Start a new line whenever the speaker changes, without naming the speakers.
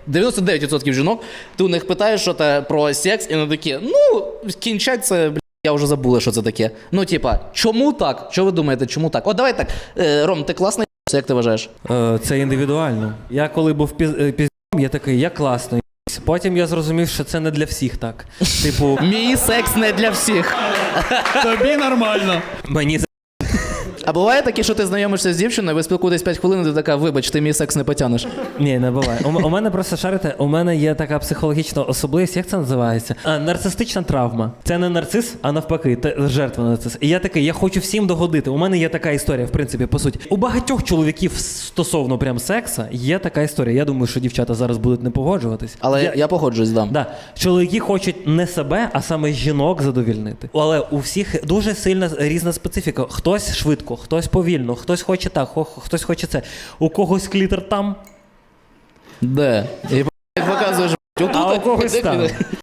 99% жінок, ти у них питаєш що про секс, і вони такі, ну, кінчать це, я вже забула, що це таке. Ну, типа, чому так? Що ви думаєте, чому так? От давай так, Ром, ти класний, як ти вважаєш?
Це індивідуально. Я коли був піздом, я такий, я класний. Потім я зрозумів, що це не для всіх так. Типу,
Мій секс не для всіх.
Тобі нормально.
мені
А буває таке, що ти знайомишся з дівчиною, ви спілкуєтесь 5 хвилин, і ти така, вибач, ти мій секс не потягнеш.
Ні, не буває. У мене просто, шарите, у мене є така психологічна особливість, як це називається? Нарцистична травма. Це не нарцис, а навпаки, жертва нарцис. І я такий, я хочу всім догодити. У мене є така історія, в принципі, по суті. У багатьох чоловіків стосовно прям секса є така історія. Я думаю, що дівчата зараз будуть не погоджуватись.
Але я погоджуюсь, да.
Да. Чоловіки хочуть не себе, а саме жінок задовільнити. Але у всіх дуже сильна різна специфіка. Хтось швидко, хтось повільно, хтось хоче так, хтось хоче це. У когось клітер там,
Де? І показуєш, отут,
а у когось
де
там.
клітер?